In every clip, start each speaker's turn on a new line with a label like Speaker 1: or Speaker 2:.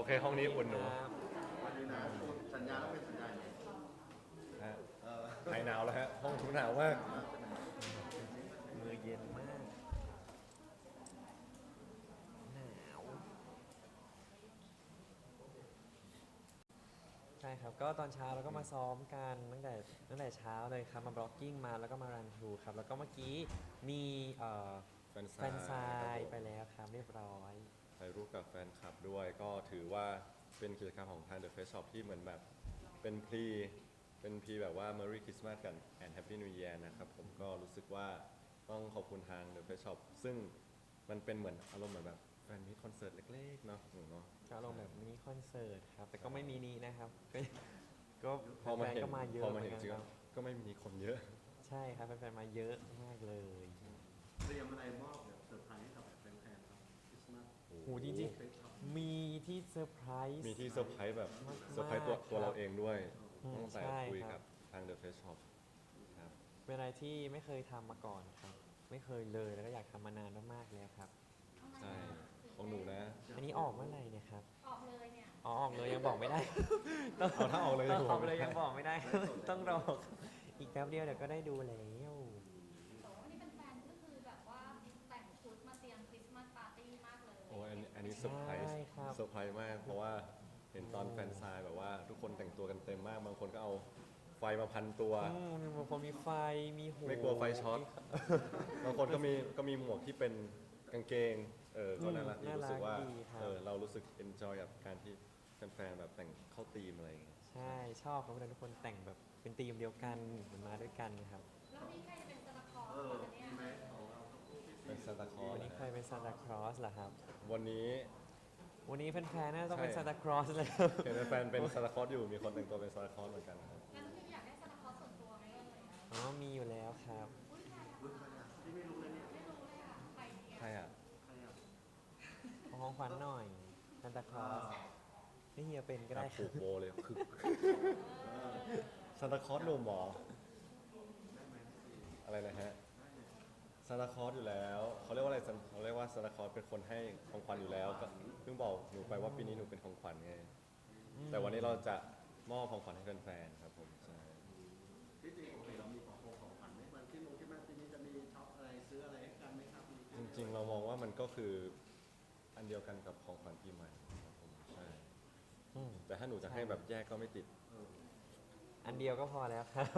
Speaker 1: เคห้องนี้อุ่นหนู
Speaker 2: ครับ
Speaker 3: วันนี้นะสัญญาแล้วเป็นสัญญาไง
Speaker 1: ฮะ
Speaker 3: เออ
Speaker 1: หายหนาวแล้วฮะห้องทุกหนาวมาก
Speaker 2: มือเย็นมากหนาวใช่ครับก็ตอนเช้าเราก็มาซ้อมกันตั้งแต่เช้าเลยครับมาบล็อกกิ้งมาแล้วก็มารันทรูครับแล้วก็เมื่อกี้มี
Speaker 1: แฟน
Speaker 2: แฟนซายไปแล้วครับเรียบร้อย
Speaker 1: ถ่ายรูปกับแฟนคลับด้วยก็ถือว่าเป็นกิจกรรมของทาง The Face Shop ที่เหมือนแบบเป็นพรีแบบว่า Merry Christmas กัน and Happy New Year นะครับผมก็รู้สึกว่าต้องขอบคุณทาง The Face Shop ซึ่งมันเป็นเหมือนอารมณ์เหมือนแบบแฟนมิตคอนเสิร์ตเล็กๆเนาะเนาะ
Speaker 2: ก็ลงแบบมินิคอนเสิร์ตครับแต่ก็ไม่มินินะครับก็
Speaker 1: พอมา
Speaker 2: แฟน
Speaker 1: เห็น
Speaker 2: ๆก็มาเยอะ
Speaker 1: พอมาเห็น
Speaker 2: ห
Speaker 1: จริง
Speaker 2: มือ
Speaker 1: ๆก็ไม่มีคนเยอะ
Speaker 2: ใช่ครับแฟนๆมาเยอะมากเลย
Speaker 3: เตรียมอะไรมอบแบบเซอร์ไพรส์ให้กับแฟนๆครับคริสต์มาส
Speaker 2: โหจริงๆมีที่เซอร์ไพรส์
Speaker 1: มีที่เซอร์ไพรส์แบบ
Speaker 2: มากๆ
Speaker 1: เซอร์ไพรส์ตัว
Speaker 2: ครับ
Speaker 1: เราเองด้วย
Speaker 2: อืม
Speaker 1: ตั้งแต่
Speaker 2: ใช่
Speaker 1: คุย
Speaker 2: ครั
Speaker 1: กับ บทาง The Face Shop ครับ
Speaker 2: เป็นอะไรที่ไม่เคยทำมาก่อนครับ ไม่เคยเลยแล้วก็อยากทำมานานมากๆแล้วครับ
Speaker 1: ใช่ของหนูนะ
Speaker 2: อันนี้ออกเมื่อไหร่เนี่ยครับ
Speaker 4: ออกเลยเนี่ย
Speaker 2: อ๋อออกเลยยังบอกไม่ได้
Speaker 1: เอาถ้าออกเลย
Speaker 2: ต้องออก
Speaker 1: ไม่
Speaker 2: เล
Speaker 1: ได้
Speaker 2: ยยังบอกไม่ได้ ต้องรออีกแป๊บเดียวเดี๋ยวก็ได้ดูแล้ว
Speaker 4: แต่ว่าวันนี้เป็นแฟนก็คือแบบว่าแต่งชุดมาเตรียมคริสต์มาสปาร์ตี้มากเลย
Speaker 1: โอ้ยอันนี้เซอร์ไพรส์
Speaker 2: ใช่ครับ
Speaker 1: เซอร์ไพรส์มาก เพราะว่าเห็นตอนแฟนซายแบบว่าทุกคนแต่งตัวกันเต็มมาก บางคนก็เอาไฟมาพันตัว
Speaker 2: มีบางคนมีไฟมีหู
Speaker 1: ไม่กลัวไฟช็อต บางคนก็มีหมวกที่เป็นกางเกง ก็น่ารักดีรู้สึกว่าเรารู้สึกเอนจอยกับการที่แฟนๆแบบแต่งเข้าธีมอะไรอย่างเงี้ย
Speaker 2: ใช่ชอบครับเวลาทุกคนแต่งแบบเป็นธีมเดียวกันเหมือนมาด้วยกันนะครับ
Speaker 4: แล้วนี่ใครจะเป็นซานตาคลอส
Speaker 3: เออ
Speaker 4: คะเนี่ย
Speaker 3: มีไหมของเราทั้งคู่พี่
Speaker 1: เป็นซานตาคลอส
Speaker 2: วันนี้ใครเป็นซานตาคลอสล่ะครับ
Speaker 1: วันนี้
Speaker 2: วันนี้แฟนๆน่าจะต้องเป็น
Speaker 1: ใช่
Speaker 2: ซานตาคลอสเลย
Speaker 1: เห็นแฟนๆเป็นซานตาคลอสอยู่ มีคนแต่งตัวเป็นซานตาคลอสเหมือนกันครับ
Speaker 4: งั้นพี่อยากได้ซานตาคลอสส่วนตัวไหมเอ่ย
Speaker 2: อ๋อมีอยู่แล้วครับ
Speaker 4: อุ้ยใครอะ
Speaker 3: อุ๊ยใครอ่ะพี่ไม่รู้เลยเนี่ย
Speaker 4: ไม่รู้เลยอ่ะใครดี
Speaker 1: ใคร
Speaker 4: อ่ะ
Speaker 1: อ่ะ
Speaker 3: ใครอ่ะ
Speaker 2: ขอของขวัญหน่อยซานตาคลอสนี่เฮียเป็นก็
Speaker 1: ครั
Speaker 2: ได้
Speaker 1: บ
Speaker 2: ค
Speaker 1: ผู
Speaker 2: รับ
Speaker 1: กโบเลยคือซานตาคลอสหนุ่มเหรออะไรนะฮะซานตาคลอสอยู่แล้วเขาเรียกว่าอะไรเขาเรียกว่าซานตาคลอสเป็นคนให้ของขวัญอยู่แล้วก็เพิ่งบอกหนูไปว่าปีนี้หนูเป็นของขวัญไงแต่วันนี้เราจะมอบของขวัญให้แฟนๆครับผมใช่
Speaker 3: ที่จริงปกติเรามีของขวัญไหมวันที่ลงที่มาปีนี้จะมีช็อปอะไรซื้ออะไรให้กันไหมครับมี
Speaker 1: จริงๆ เรามองว่ามันก็คืออันเดียวกันกับของขวัญปีใหม่ครับผมใช่
Speaker 2: อืม
Speaker 1: แต่ถ้าหนูจะให้แบบแยกก็ไม่ติด
Speaker 3: เออ
Speaker 2: อันเดียวก็พอแล้วครับ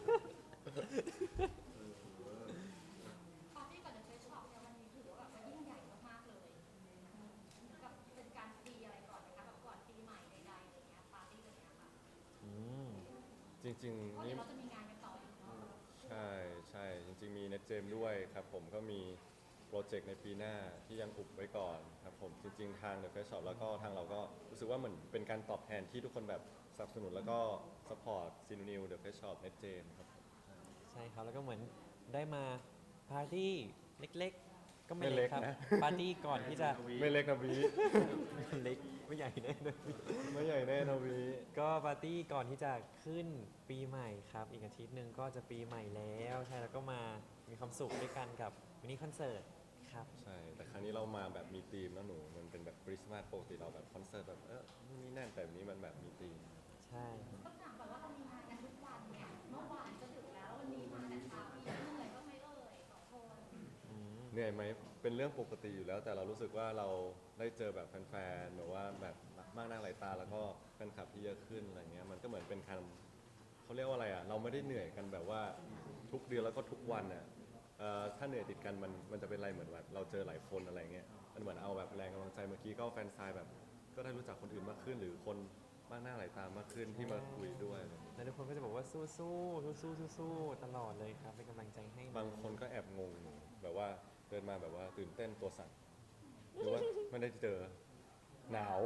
Speaker 4: ปาร์ตี้ก่อนเดอะเฟสช็อปเนี่ยวันนี้ถือว่าแบบว่ายิ่งใหญ่มากๆเลยกับเป็นการฟรีอะไรก่อนนะคะแบบก่อนปีใหม่ใดๆอะไรเงี้ยปาร์ตี้อะไรเงี้ยค่ะ
Speaker 2: อืม
Speaker 1: จริง
Speaker 4: เพราะ
Speaker 1: ๆ
Speaker 4: เดี๋
Speaker 1: นี่
Speaker 4: ยวเราจะมีงานกันต่ออีกเนาะ
Speaker 1: ใช่จริงๆ มีเน็ตเจมด้วยครับผมก็มีโปรเจกต์ในปีหน้าที่ยังอุบไว้ก่อนครับผมจริงๆ ทาง The Face Shop แล้วก็ทางเราก็รู้สึกว่าเหมือนเป็นการตอบแทนที่ทุกคนแบบสนับสนุนแล้วก็สปอร์ตซีนูนิว The Face Shop เน็ตเจมครับผม
Speaker 2: ใช่ครับแล้วก็เหมือนได้มาปาร์ตี้เล็กๆ ก็ไม่
Speaker 1: ไม่เล็
Speaker 2: เล็
Speaker 1: ก
Speaker 2: กครับ
Speaker 1: นะ
Speaker 2: ปาร์ตี้ก่อนที่จะ
Speaker 1: ไม่เล็กนะวี
Speaker 2: เล็กไม่ใหญ่แน่เลย
Speaker 1: ไม่ใหญ่แน่นะวี
Speaker 2: ก็ปาร์ตี้ก่อนที่จะขึ้นปีใหม่ครับ อีกอาทิตย์หนึ่งก็จะปีใหม่แล้วใช่แล้วก็มามีความสุขด้วยกันกับมินิคอนเสิร์ตครับ
Speaker 1: ใช่ แต่ครั้งนี้เรามาแบบมีธีมนะหนู มันเป็นแบบคริสต์มาสปกติเราแบบคอนเสิร์ตแบบนู่นนี่นั่นแต่อันนี้มันแบบมีธีม
Speaker 2: ใช่ครับ
Speaker 4: ต้องถามก่อนว่าเรามีงานกันทุกวันเนี่ยเมื่อวานจะถึงแล้ววันนี้มาแต่เช้าพี่เหนื่อยบ้างไหมเอ่ยสองคน
Speaker 2: อืม
Speaker 1: เหนื่อยไหมเป็นเรื่องปกติอยู่แล้ว แต่เรารู้สึกว่าเราได้เจอแบบแฟนๆหรือว่าแบบมากหน้าหลายตาแล้วก็แฟนคลับที่เยอะขึ้นอะไรเงี้ยมันก็เหมือนเป็นการเขาเรียกว่าอะไรอ่ะเราไม่ได้เหนื่อยกันแบบว่าทุกเดือนแล้วก็ทุกวันอ่ะถ้าเหนื่อยติดกันมันจะเป็นอะไรเหมือนแบบเราเจอหลายคนอะไรเงี้ยมันเหมือนเอาแบบแรงกำลังใจเมื่อกี้ก็แฟนซายแบบก็ได้รู้จักคนอื่นมากขึ้น หรือคนมากหน้าหลายตามากขึ้นที่มาคุยด้วยอะไรเงี้ย
Speaker 2: แล้วทุกคนก็จะบอกว่าสู้ๆสู้ๆตลอดเลยครับเป็นกำลังใจให้นะ
Speaker 1: บางคนก็แอบงงอยู่แบบว่าเดินมาแบบว่าตื่นเต้นตัวสั่นหรือว่าไม่ได้เจอหนาว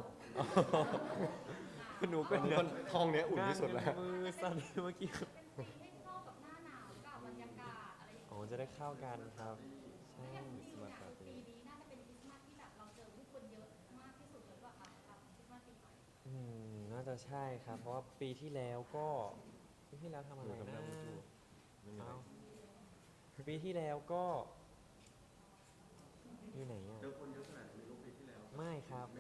Speaker 2: หนูก็
Speaker 1: วันนี้ห้องเนี้ยอุ่นที่สุดแล้ว
Speaker 2: มือสั่นเมื่อกี้
Speaker 4: เป็นธีมให้เข้ากับหน้าหนาวกับบรรยากาศอะไรอย่าง
Speaker 2: อ๋
Speaker 4: เงี้ย
Speaker 2: อจะได้เข้ากันครับใช่
Speaker 4: อย่างที่เนี่ยปีนี้น่าจะเป็นคริสต์มาสที่แบบเราเจอผู้คนเยอะมากที่สุดเลยว่าครับคริสต์มาสปีใหม่
Speaker 2: น่าจะใช่ครับ เพราะว่าปีที่แล้วก็ปีที่แล้วทำอะไร
Speaker 1: อยู่กับ
Speaker 2: นะ
Speaker 1: น้ำมูจูไม่มีอะไร
Speaker 2: เอ้าปีที่แล้วก็อยู่ไหนอ่ะ
Speaker 3: เจอคนเยอะขนาดนี้ลูกปีที่แล้ว
Speaker 2: ไม่ครับ
Speaker 3: ไม่เจอ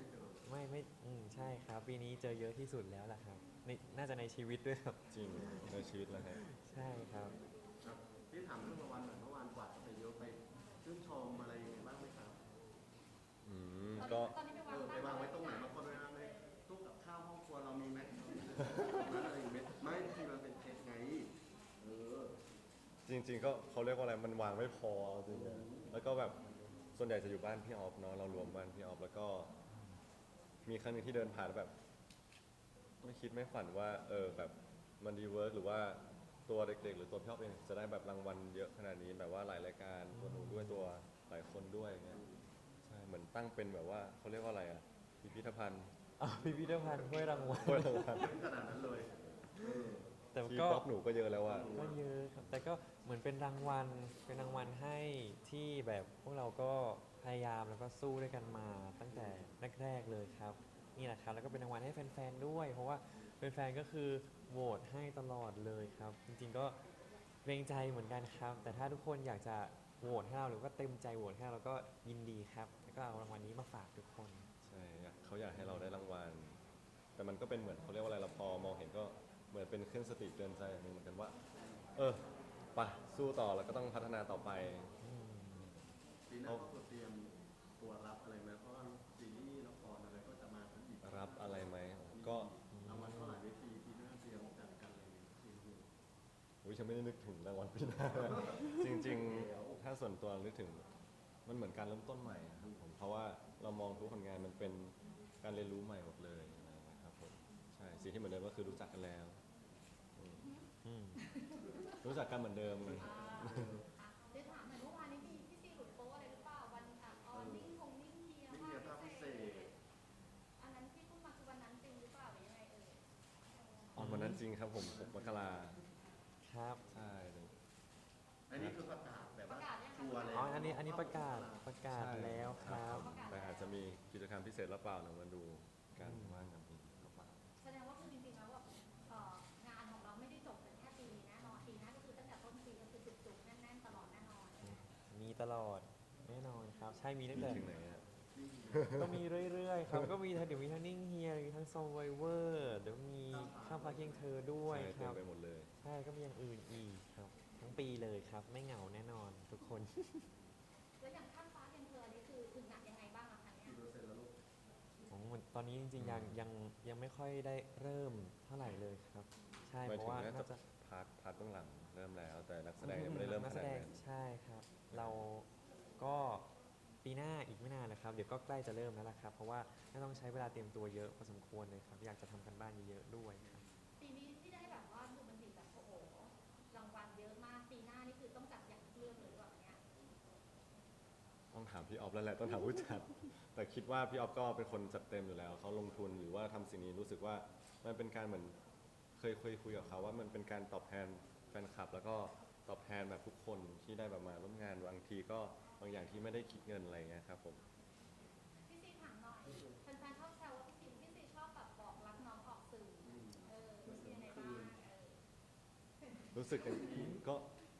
Speaker 2: ไม่ใช่ครับ ปีนี้เจอเยอะที่สุดแล้วล่ะครับน่าจะในชีวิตด้วยครับ
Speaker 1: จริงในชีวิตแล้วฮะ
Speaker 2: ใช่ครับ
Speaker 3: ครับพี่ถามเรื่องรางวัลหน่อยเมื่อวานกวาดไปเยอะไปชื่นชมอะไรยังไงบ้างไหมครับ
Speaker 1: อืม
Speaker 4: ตอน
Speaker 1: ก็
Speaker 4: นี้ตอนนี้ไปวาง
Speaker 3: ไปวางไว้ตรงไหนบางคนเวลาไปตู้กับข้าวห้องครัวเรามีไหมนั้นอะไรอย่างเงี้ยไม่ที่มันเป็นเคสไงเออ
Speaker 1: จริงๆก็เขาเรียกว่าอะไรมันวางไม่พอจริงๆแล้วก็แบบส่วนใหญ่จะอยู่บ้านพี่ออฟเนาะเรารวมบ้านพี่ออฟแล้วก็มีครั้งหนึงที่เดินผ่านแล้วแบบไม่คิดไม่ฝันว่าแบบมันดีเวิร์กหรือว่าตัวเด็กๆหรือตัวพี่ออฟเองจะได้แบบรางวัลเยอะขนาดนี้แบบว่าหลายรายการตัวหนูด้วยตัวหลายคนด้วยอย่างเงี้ยใช่เหมือนตั้งเป็นแบบว่าเขาเรียกว่าอะไรอะพิพิธภัณฑ์
Speaker 2: พิพิธภัณฑ์ถ้วยรางวัล
Speaker 1: ถ้วยรางวัล
Speaker 3: ขนาดนั้นเลยเออ
Speaker 2: แต่
Speaker 1: ที่
Speaker 2: ก็
Speaker 1: บล็อกหนูก็เยอะแล้วอะ
Speaker 2: ก็เยอะครับ แต่ก็เหมือนเป็นรางวัลให้ที่แบบพวกเราก็พยายามแล้วก็สู้ด้วยกันมาตั้งแต่แรกๆเลยครับนี่แหละครับแล้วก็เป็นรางวัลให้แฟนๆด้วย เพราะว่าแฟนๆก็คือโหวตให้ตลอดเลยครับ จริงๆก็เกรงใจเหมือนกันครับ แต่ถ้าทุกคนอยากจะโหวตให้เราหรือว่าเต็มใจโหวตให้เราก็ยินดีครับแล้วก็เอารางวัลนี้มาฝากทุกคน
Speaker 1: ใช่เขาอยากให้เราได้รางวัล แต่มันก็เป็นเหมือนเขาเรียกว่าอะไรเราพอมองเห็นก็เหมือนเป็นเครื่องสติเตือนใจอย่างหนึงเหมือนกันว่า ไปสู้ต่อแล้วก็ต้องพัฒนาต่อไป
Speaker 3: ปีหน้าก็เตรียมตัวรับอะไรไหมเพราะว่าซีรีส์ละครอะไรก็จะมาทั้งอีก
Speaker 1: รับอะไรไหมก็
Speaker 3: รางวัลก็หลายเวทีปีหน้าเตรียมจัดกันอะไรอย่างเงี้ยซีรีส์
Speaker 1: อุ๊ยฉันไม่ได้นึกถึงรางวัลปีหน้า จริงๆ ถ้าส่วนตัวนึกถึงมันเหมือนการเริ่มต้นใหม่อะครับผมเพราะว่าเรามองทุกผลงานมันเป็นการเรียนรู้ใหม่หมดเลยอะไรอย่างเงี้ยครับผมใช่สิ่งที่เหมือนเดิมก็คือรู้จักกันแล้ว
Speaker 2: อืม
Speaker 1: รู้จักกันเหมือนเดิมเลย
Speaker 4: เดี๋ยวถามหน่อยเมื่อวานนี้พี่ซีหลุดโป๊อะไรหรือเปล่าวันออนนิ่งเฮีย
Speaker 3: นี่เฮียภาพพิเศษ
Speaker 4: อันนั้นที่พูดมาคือวันนั้นจริงหรือเปล่าหรือยังไงเอ่ย
Speaker 1: ออนวันนั้นจริงครับผม6 มกรา
Speaker 2: ครับ
Speaker 1: ใช่เลย
Speaker 3: อันนี้คือประกาศแบบว่า
Speaker 4: ประกาศยังคะ
Speaker 3: ชัวร์เลย
Speaker 2: อ๋ออันนี้ประกาศแล้วครับ
Speaker 1: แต่อาจจะมีกิจกรรมพิเศษหรือเปล่าเดี๋ยวมาดูกันว่างานนี้หรือเปล่า
Speaker 4: แสดงว่าคือจริงๆแล้วแบบงานของเราไม่ได้จบแต่แค่ปีนี้แน่นอนปีหน้าก็คือตั้งแต่ต้นปีก็คือจุกๆแน่นๆตลอดแน่นอน
Speaker 2: มีตลอดแน่นอนครับ ใช่มีตั้ง
Speaker 1: มี
Speaker 2: แต่
Speaker 1: ถึงไหนอะ
Speaker 2: ก็มีเรื่อยๆครับ ก็มีเดี๋ยวมีทั้งนิ่งเฮียมีทั้งซอมไวเวอร์เดี๋ยวมีข้ามฟ้าเคียงเธอด้วย
Speaker 1: ใช่
Speaker 2: ค
Speaker 1: เต็ม
Speaker 2: รับ
Speaker 1: ไปหมดเลย
Speaker 2: ใช่ก็มีอย่างอื่นอีกครับ ทั้งปีเลยครับ ไม่เหงาแน่นอนทุกคน
Speaker 4: แล้วอย่างข้ามฟ้าเพียงเธออันนี้คือถึงหนักยังไงบ้างอะคะเนี่ย
Speaker 3: กี่เปอร์เซ็นต์แล้วลูก
Speaker 2: ตอนนี้จริงๆยังไม่ค่อยได้เริ่มเท่าไหร่เลยครับ ใช่
Speaker 1: หมาย
Speaker 2: เพ
Speaker 1: ถึ
Speaker 2: ราะ
Speaker 1: ง
Speaker 2: ว่า
Speaker 1: น่า
Speaker 2: น่า
Speaker 1: จะ
Speaker 2: จะ
Speaker 1: พาร์ทเบื้องหลังเริ่มแล้ว แต่นักแสดงยังไม่ได้เริ่ม
Speaker 2: นั
Speaker 1: ข
Speaker 2: กแส
Speaker 1: นาด
Speaker 2: ดง
Speaker 1: นั้น
Speaker 2: ใช่ครับ เราก็ปีหน้าอีกไม่นานนะครับ เดี๋ยวก็ใกล้จะเริ่มแล้วล่ะครับ เพราะว่าน่าต้องใช้เวลาเตรียมตัวเยอะพอสมควรเลยครับ อยากจะทำกันบ้านเยอะๆด้วยครับ
Speaker 4: ปีนี้ที่ได้แบบว่าดูมันดีแบบโอ้โหรางวัลเยอะมากปีหน้านี่คือต้องจัดอย่างเรื่องเลยหรือเปล่าเนี่ย
Speaker 1: ต้องถามพี่ออฟแล้วแหละต้องถามผู้จัด แต่คิดว่าพี่ออฟก็เป็นคนจัดเต็มอยู่แล้วเขาลงทุนหรือว่าทำสิ่งนี้รู้สึกว่ามันเป็นการเหมือนเคยคุยกับเขาว่ามันเป็นการตอบแทนแฟนคลับ แล้วก็ตอบแทนแบบทุกคนที่ได้แบบมาร่วมงานบางทีก็บางอย่างที่ไม่ได้คิดเงินอะไรเงี้ยครับผม
Speaker 4: พี่ซีถามหน่อยแฟนๆชอบแซวว่าพี่ซีชอบแบบบอกรักน้องออกสื่อรู้สึกยังไงบ้าง
Speaker 1: รู้สึกก็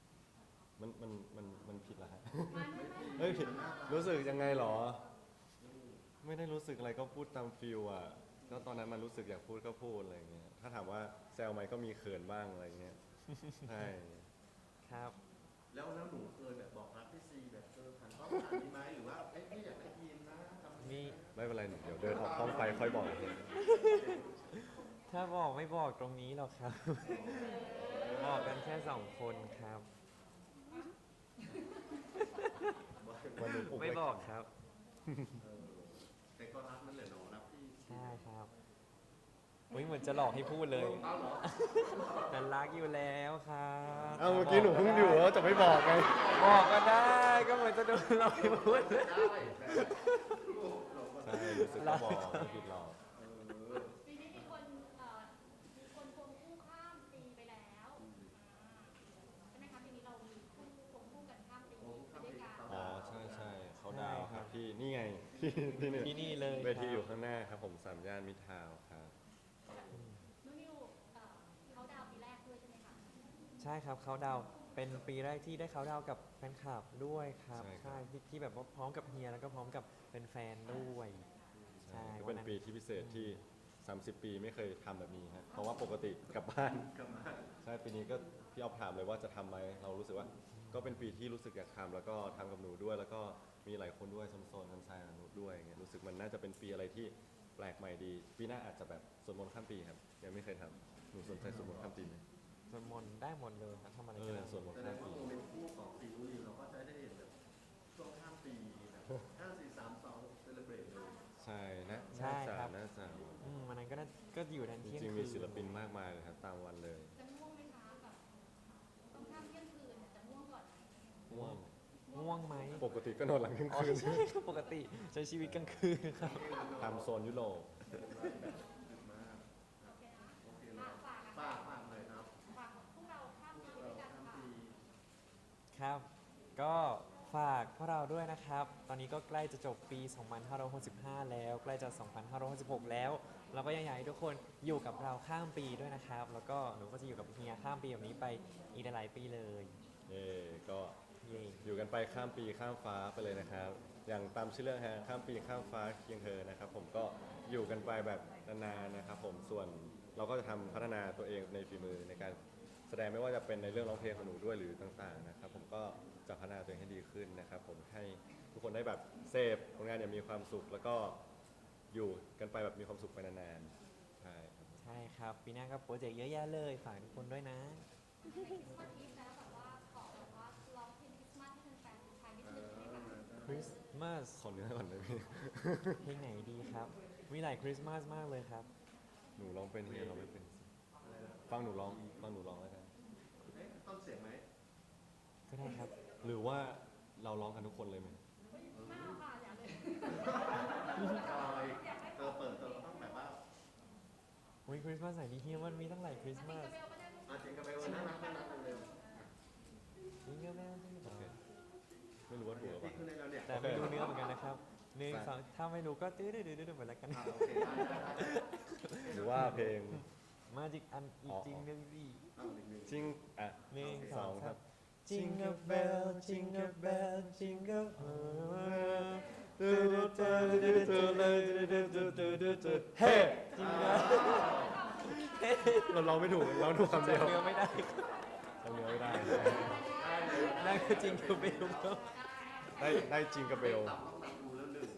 Speaker 1: มันผิดเหรอฮะ
Speaker 4: ไม่
Speaker 1: เฮ้ยผิดรู้สึกยังไงเหรอ ไม่ได้รู้สึกอะไรก็พูดตามฟิลอ่ะก็ตอนนั้นมันรู้สึกอยากพูดก็พูดอะไรเงี้ยถ้าถามว่าแซวไหมก็มีเขินบ้างอะไรเงี้ยใช่
Speaker 2: ครับ
Speaker 3: แล้วหนูเคยแบบบอกรักพี่ซีแบบผ่านข้อผ่านนี้ไหมหรือว่าเอ้ยพี่อยากได้ยินนะทำ
Speaker 2: มี
Speaker 1: ไม่เป็นไรเดี๋ยวเดินออกห้องไปค่อยบอกเอง
Speaker 2: ถ้าบอกไม่บอกตรงนี้หรอกครับ บอกกันแค่2 คนครับ
Speaker 1: วันนี้
Speaker 2: ไม่บอกครับ
Speaker 3: เออแต่ก็รักนั่นแหละเนาะรักพี่
Speaker 2: ใช่ครับอุ๊ยเหมือนจะหลอกให้พูดเลย
Speaker 3: เอาเหรอ
Speaker 2: แต่รักอยู่แล้วครับ
Speaker 1: เอ้าเมื่อกี้หนูเพิ่งอยู่แล้วจะไม่บอกไง
Speaker 2: บอกก็ได้ ก็เหมือนจะโดนหลอกให้พูด
Speaker 3: ได้แต่ลูกเราก็
Speaker 1: ใช่รู้สึกก็บอกไม่ผิดหรอก
Speaker 4: ปีนี้มีคนควงคู่ข้ามปีไปแล้วใช่ไหมคะปีนี้เรามีคู่ควงคู่กันข้ามปีไปด้วยกัน
Speaker 1: อ๋อใช่เขาดาวครับที่นี่ไง ที่นี่
Speaker 2: ที่นี่เลย
Speaker 1: เวที
Speaker 2: ครับ
Speaker 1: อยู่ข้างหน้าครับผม3 ย่านมิตรทาวน์ครับ
Speaker 4: นุ่นนิวเขาดาวปีแรกด้วยใช่ไหมคะ
Speaker 2: ใช่ครับเขาดาวน์เป็นปีแรกที่ได้เขาดาวน์กับแฟนคลับด้วยครับ
Speaker 1: ใช่ครับ
Speaker 2: ใช่ที่แบบว่าพร้อมกับเฮียแล้วก็พร้อมกับเป็นแฟนๆด้วยใช่
Speaker 1: ก็เป็นปีที่พิเศษที่ 30 ปีไม่เคยทำแบบนี้ฮะเพราะว่าปกติกลับบ้าน
Speaker 3: กลับมา
Speaker 1: ใช่ปีนี้ก็พี่ออฟถามเลยว่าจะทำไหมเรารู้สึกว่าก็เป็นปีที่รู้สึกอยากทำแล้วก็ทำกับหนูด้วย แล้วก็มีหลายคนด้วยโซนกันชายกับหนูด้วยอย่างเงี้ยรู้สึกมันน่าจะเป็นปีอะไรที่แปลกใหม่ดี ปีหน้าอาจจะแบบสวดมนต์ข้ามปีครับยังไม่เคยทำหนูสนใจสวดมนต์ข้ามปีไหม
Speaker 2: สวดมนต์ได้หมดเลยครับทำอะไร
Speaker 1: เอ
Speaker 2: ก็
Speaker 1: อ
Speaker 2: ได้
Speaker 1: สวดมนต์
Speaker 3: แสด
Speaker 1: ข้าง ม
Speaker 3: ว่า
Speaker 1: ปี
Speaker 3: โมเมนต์คู่ของซีนูนิวเราก็จะได้เห็นแบบช่วงข้ามปีแบบ5 4 3 2 celebrate เลย
Speaker 1: ใช่นะ
Speaker 2: ใช่ครับ
Speaker 1: น่าจะ
Speaker 2: วันนั้นก็อยู่ทัน
Speaker 1: จ
Speaker 2: เที่ยง
Speaker 1: ริงๆ
Speaker 2: คื
Speaker 1: มี
Speaker 2: น
Speaker 1: ศิลปินมากมายเลยครับตามวันเลย
Speaker 4: จะง่วงไหมคะแบบต้องข้ามเที่ยงคืนเนี่ยจะง่วงก่อนไหม
Speaker 1: ง่วง
Speaker 2: ง่วงไหม
Speaker 1: ปกติก็นอนหลังเที่ยง
Speaker 2: อ๋อ
Speaker 1: คืน
Speaker 2: ใช่ครับปกติใช้ชีวิตกลางคืนครับ
Speaker 1: ทำโซนยุโรป
Speaker 3: ดึกมาก
Speaker 4: โอเคนะ
Speaker 3: โอเคเนาะ
Speaker 4: ฝาก
Speaker 3: ฝากหน่อยครับ
Speaker 4: ฝากพวกเราข้าม
Speaker 3: พว
Speaker 4: ปี
Speaker 3: ก
Speaker 4: ด้
Speaker 3: เรา
Speaker 4: วยกัน
Speaker 3: ข้าม
Speaker 4: ค่ะ
Speaker 3: ปี
Speaker 2: ครับ ก็ฝากพวกเราด้วยนะครับ ตอนนี้ก็ใกล้จะจบปี 2565 แล้ว ใกล้จะ 2566 แล้ว เราก็ยังอยากให้ทุกคนอยู่กับเราข้ามปีด้วยนะครับ แล้วก็หนูก็จะอยู่กับเฮียข้ามปีแบบนี้ไปอีกหลายๆปีเลย
Speaker 1: เย่ก็
Speaker 2: เย่
Speaker 1: อยู่กันไปข้ามปีข้ามฟ้าไปเลยนะครับ อย่างตามชื่อเรื่องฮะข้ามปีข้ามฟ้าเคียงเธอนะครับ ผมก็อยู่กันไปแบบนานๆนะครับ ผมส่วนเราก็จะทำพัฒนาตัวเองในฝีมือในการแสดงไม่ว่าจะเป็นในเรื่องร้องเพลงของหนูด้วยหรือต่างๆนะครับ ผมก็จะพัฒนาตัวเองให้ดีขึ้นนะครับ ผมให้ทุกคนได้แบบเสพผลงานอย่างมีความสุข แล้วก็อยู่กันไปแบบมีความสุขไปนานๆใช่ครับ
Speaker 2: ใช่ครับ ปีหน้าก็โปรเจกต์เยอะแยะเลย ฝากทุกคนด้วยนะ
Speaker 4: ในคริสต์มาสอีฟแล้วแบบว่าขอแบบว่าร้องเพลงคริสต์มาสให้แฟนๆไทยนิดนึงได้ไหมคะ
Speaker 2: คริสต์มาส
Speaker 1: ขอเนื้อก่อนได้ไหม
Speaker 2: เพลงไหนดีครับ มีหลายคริสต์มาสมากเลยครับ
Speaker 1: หนูร้องเป็นเฮียร้องไม่เป็นสิฟังหนูร้องแล้วกัน
Speaker 3: เอ๊ะต้นเสียงไหม
Speaker 2: ก็ได้ครับ
Speaker 1: หรือว่าเราร้องกันทุกคนเลยไหม
Speaker 4: ไม่เอาค่ะอย่าเลย
Speaker 3: จอยเปิดเราต้องแบบว่า
Speaker 2: อุ้ยคริสต์มาสไหนดีเฮียมันมีตั้งหลายคริสต์มาส
Speaker 3: จริงกับไปวันน่ารักเร็ว
Speaker 2: จิงเกิลเบล
Speaker 1: โอเคไม่รู้ว่าถูกหรือเป
Speaker 3: ที่
Speaker 1: ล่า
Speaker 3: ขึ้นในเราเนี่ย
Speaker 2: แต่ไม่รู้เนื้อเหมือนกันนะครับหนึ่งสองถ้าไม่รู้ก็ตื้อๆๆๆเหมือนกัน
Speaker 3: โอเคได้
Speaker 1: หรือว่าเพลง
Speaker 2: มาจิกอันอีก
Speaker 1: อ๋อ
Speaker 2: จริงหนึ่งสิ
Speaker 3: เอาอีกหนึ่ง
Speaker 1: จริงอ่ะ
Speaker 2: หนึ่ง
Speaker 1: ส
Speaker 2: ส
Speaker 1: อ
Speaker 2: อง ง
Speaker 1: ค
Speaker 2: ค
Speaker 1: รั
Speaker 2: รับ บ Jingle bell Jingle bell Jingle all เฮ้
Speaker 1: เราร้องไม่ถูกเราถูกคำเดียว
Speaker 2: จำเนื้อไม่ได้
Speaker 1: จำเนื้อไม่ได้
Speaker 2: นั่นคือ Jingle bell ครับ
Speaker 1: ได้จริงกับเบล
Speaker 3: ต้องตัดดูแล้วหนึ่ง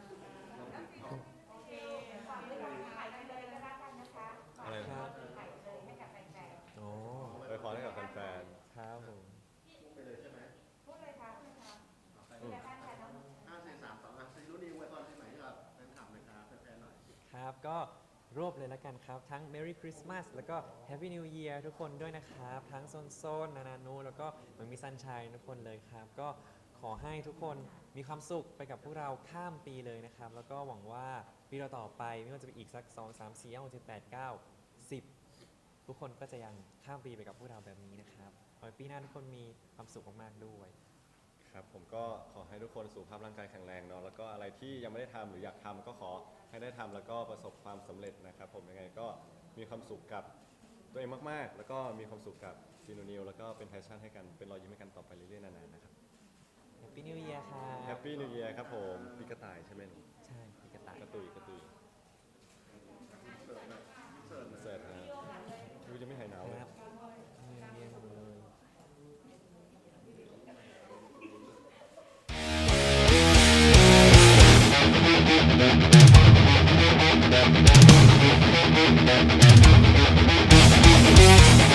Speaker 1: อะไร
Speaker 2: ค
Speaker 1: นะ
Speaker 2: รับโอ้
Speaker 1: ไปขอให้กับแฟน
Speaker 2: ครับผม
Speaker 3: พูดไปเลยใช่ไหม
Speaker 1: ๆอืม
Speaker 3: 5 4 3 2ซีรุ่นนี้ไว้ตอนที่ไหนครับแฟนคลับนะครับแฟนๆหน่อย
Speaker 2: ครับก็รวบเลยแล้วกันครับ ทั้ง Merry Christmas แล้วก็ Happy New Year ทุกคนด้วยนะครับ ทั้งโซนนานานูแล้วก็เหมือนมีซันชัยทุกคนเลยครับ ก็ขอให้ทุกคนมีความสุขไปกับพวกเราข้ามปีเลยนะครับ แล้วก็หวังว่าปีเราต่อไปไม่ว่าจะเป็นอีกสัก 2 3 4 5 6 7 8 9 10 ทุกคนก็จะยังข้ามปีไปกับพวกเราแบบนี้นะครับขอให้ปีหน้าทุกคนมีความสุขมากๆด้วย
Speaker 1: ครับผมก็ขอให้ทุกคนสุขภาพร่างกายแข็งแรงเนาะแล้วก็อะไรที่ยังไม่ได้ทำหรืออยากทำก็ขอให้ได้ทำแล้วก็ประสบความสำเร็จนะครับผมยังไงก็มีความสุขกับตัวเองมากๆ แล้วก็มีความสุขกับซีโนนิวแล้วก็เป็นแพชชั่นให้กันเป็นรอยยิ้มให้กันต่อไปเรื่อยๆนานๆนะครับ
Speaker 2: Happy New Year ครั
Speaker 1: แฮ
Speaker 2: บ
Speaker 1: ปปี้นิวเยียร์ครับผมปีกระต่ายใช่ไหมหนู
Speaker 2: ใช่พี่กระต่าย
Speaker 1: กระตุย
Speaker 3: เสิร์ฟหน่อยเสิร์ฟหน่อย
Speaker 1: เสร็จฮะดูจะไม่หายหนาว
Speaker 2: ค
Speaker 1: เลย
Speaker 2: รับเรียนหมดเลย
Speaker 5: Thank you.